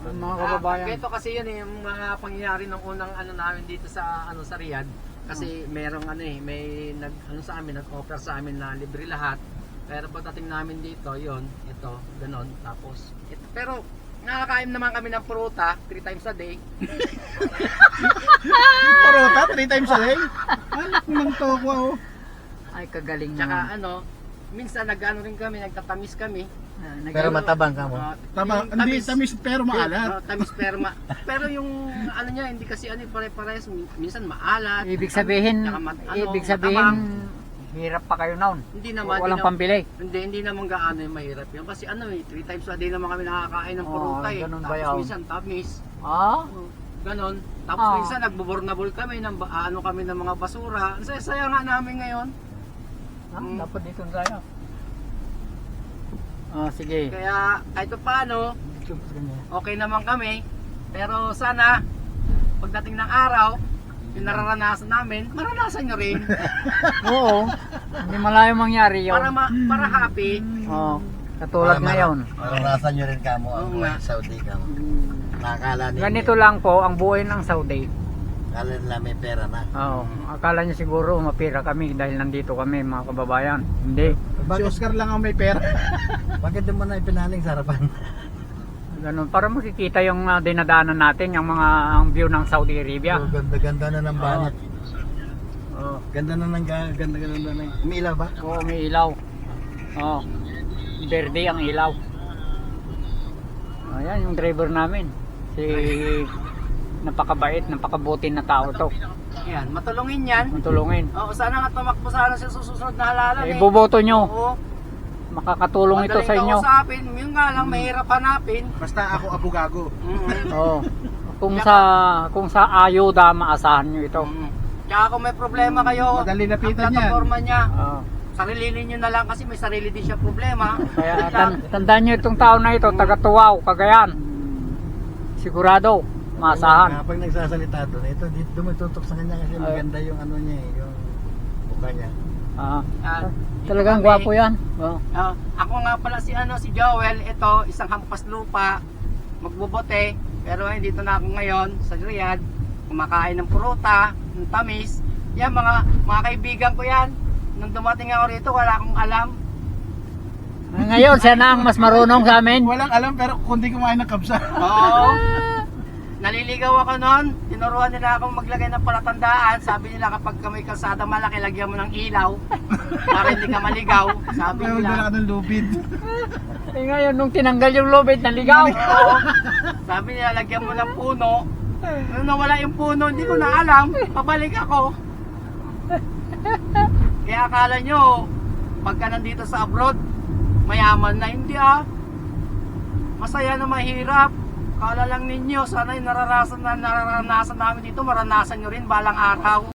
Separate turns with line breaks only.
mga kababayan.
Ito kasi yun yung mga pangyayari ng unang namin dito sa sa Riyadh. Kasi merong may sa amin, nag-offer sa amin na libre lahat. Pero pagdating namin dito, ito, ganon. Tapos, pero nakakain naman kami ng pruta 3 times a day.
Pruta 3 times a day? Anak ng tokwa oh.
Ay, kagaling
Tsaka
naman.
minsan rin kami, nagtatamis kami.
Pero matabang ka mo.
Tama, hindi tamis pero maalat.
Tamis pero pero yung niya hindi kasi pare-parehas, minsan maalat.
Ibig sabihin,
tsaka
matabang. Hirap pa kayo noon.
Hindi naman.
Walang pambili.
Hindi naman gaano yung mahirap yun. Kasi 3 times a day naman kami nakakain ng pruta
ganun ba
Tapos
yun?
minsan tamis. Ganon. Tapos minsan nagbubornable kami ng kami ng mga basura. Ang saya nga namin ngayon.
Dapat dito tayo. Sige.
Kaya kahit paano, okay naman kami. Pero sana, pagdating ng araw, yung nararanasan namin, maranasan nyo rin.
Oo. Hindi malayo mangyari yun.
Para happy.
Oo. Katulad ngayon.
Maranasan nyo rin kamo ang
Oo nga.
buhay Saudi kamo. Nakakala ninyo.
Ganito lang po ang buhay ng Saudi.
Akala nila may pera na.
Oo. Akala niya siguro mapira kami dahil nandito kami mga kababayan. Hindi.
Si Oscar lang ang may pera.
Bakit di mo na ipinaling sa harapan?
Ganun. Para makikita yung dinadaanan natin, yung mga ang view ng Saudi Arabia.
Oh, ganda-ganda na ng banat.
Oo.
Ganda na ng may ilaw ba?
Oo, may ilaw. Oo. Verde ang ilaw. Ayan yung driver namin. Si napakabait, napakabuti na tao to.
Yan, matulungin yan.
Matulungin.
Oo, sana nga tumakbo sana sa susunod na halalan
Iboboto nyo.
Oo.
Makakatulong ito sa inyo.
Madaling kausapin, yun nga lang, mahirap hanapin.
Basta ako abugago.
Oo. Kung sa ayuda maasahan nyo ito.
Tsaka kung may problema kayo,
Madali lapitan
ang
yan.
plataforma niya,
Oo.
sarili ninyo na lang kasi may sarili din siya problema.
Kaya tandaan nyo itong tao na ito, taga Tuwaw, Cagayan. Sigurado, maasahan.
Kapag nagsasalita doon, ito dito dumitutok sa kanya kasi maganda yung niya yung mukha niya.
Talagang gwapo yan.
Ako nga pala si Joel, ito isang hampas lupa, magbubote, pero dito na ako ngayon sa Riyadh, kumakain ng pruta, ng tamis. Yan mga kaibigan ko yan. Nung dumating ako rito, wala akong alam.
Ngayon, siya na ang mas marunong sa amin.
Walang alam pero kundi kumain ng kabsa.
Oo. Naliligaw ako noon. Tinuruan nila akong maglagay ng palatandaan. Sabi nila kapag may kalsada malaki, lagyan mo ng ilaw para hindi ka maligaw. Sabi
Pero
nila.
wala ka ng lubid.
Ngayon, nung tinanggal yung lubid, naligaw.
Oo. Sabi nila, lagyan mo ng puno. Nung nawala yung puno, hindi ko na alam. Pabalik ako. Kaya akala nyo, pagka nandito sa abroad, mayaman na. Hindi masaya na mahirap. Kala lang ninyo, sana yung nararanasan namin dito, maranasan nyo rin balang araw.